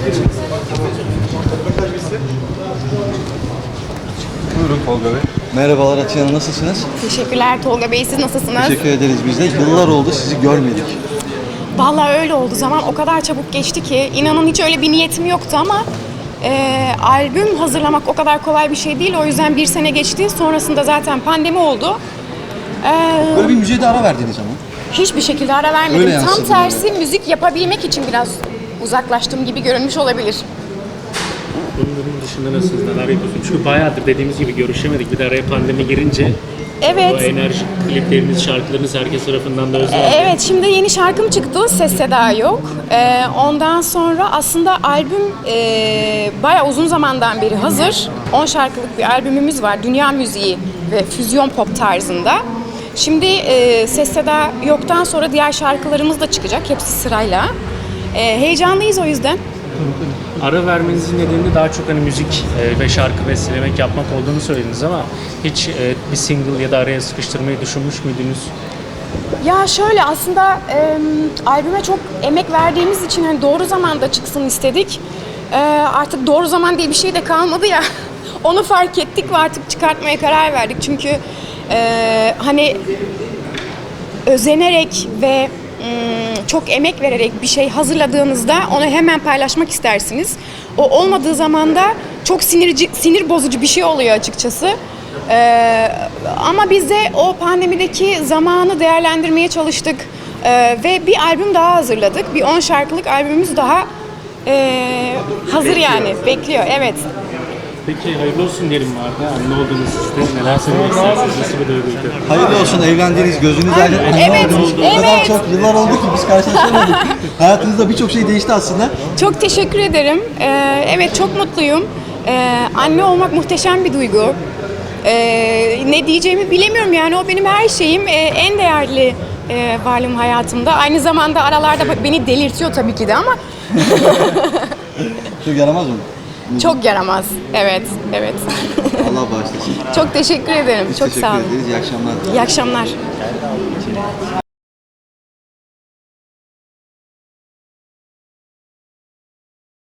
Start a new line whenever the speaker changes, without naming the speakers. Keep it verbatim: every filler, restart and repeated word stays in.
Buyurun Tolga Bey.
Merhabalar Atiye Hanım, nasılsınız?
Teşekkürler Tolga Bey, siz nasılsınız?
Teşekkür ederiz biz de. Yıllar oldu sizi görmedik.
Vallahi öyle oldu, zaman o kadar çabuk geçti ki inanın hiç öyle bir niyetim yoktu ama e, albüm hazırlamak o kadar kolay bir şey değil. O yüzden bir sene geçti, sonrasında zaten pandemi oldu. E,
Böyle bir müziğe de ara verdiniz ama.
hiçbir şekilde ara vermedim.
Öyle
Tam
yansıdı
tersi
yani.
müzik yapabilmek için biraz uzaklaştığım gibi görünmüş olabilir.
Bunun dışında nasılsınız, neler yapıyorsunuz? Çünkü bayağıdır dediğimiz gibi görüşemedik. Bir de araya pandemi girince
Evet.
o enerji klipleriniz, şarkılarınız herkes tarafından da özlendi.
Evet, şimdi yeni şarkım çıktı, Ses Seda Yok. Ee, ondan sonra aslında albüm e, bayağı uzun zamandan beri hazır. on şarkılık bir albümümüz var, dünya müziği ve füzyon pop tarzında. Şimdi e, Ses Seda Yok'tan sonra diğer şarkılarımız da çıkacak, hepsi sırayla. E, heyecanlıyız o yüzden.
Ara vermenizin nedeni de daha çok hani müzik e, ve şarkı bestelemek, yapmak olduğunu söylediniz ama hiç e, bir single ya da araya sıkıştırmayı düşünmüş müydünüz?
Ya şöyle aslında e, albüme çok emek verdiğimiz için hani doğru zamanda çıksın istedik. E, artık doğru zaman diye bir şey de kalmadı ya. Onu fark ettik ve artık çıkartmaya karar verdik. Çünkü e, hani özenerek ve ım, çok emek vererek bir şey hazırladığınızda onu hemen paylaşmak istersiniz. O olmadığı zaman da çok sinirici, sinir bozucu bir şey oluyor açıkçası. Ee, ama biz de o pandemideki zamanı değerlendirmeye çalıştık Ee, ve bir albüm daha hazırladık. Bir on şarkılık albümümüz daha ee, hazır yani bekliyor. Evet.
Peki hayırlı olsun diyelim vardı. Anne oldunuz siz de. Neler söylemek istersiniz? Nasıl bir duyguydu?
Hayırlı olsun, evlendiğiniz, gözünüz aydın.
Evet,
O kadar
evet.
çok yıllar oldu ki biz karşılaşamadık. Hayatınızda birçok şey değişti aslında.
Çok teşekkür ederim. Ee, evet çok mutluyum. Ee, anne olmak muhteşem bir duygu. Ee, ne diyeceğimi bilemiyorum yani o benim her şeyim. Ee, en değerli e, varlığım hayatımda. Aynı zamanda aralarda bak- beni delirtiyor tabii ki de ama
Çok yaramaz mı?
çok yaramaz. Evet, evet.
Allah bağışlasın.
Çok teşekkür ederim.
Biz
çok
teşekkür
sağ olun.
ederiz. İyi akşamlar.
İyi akşamlar.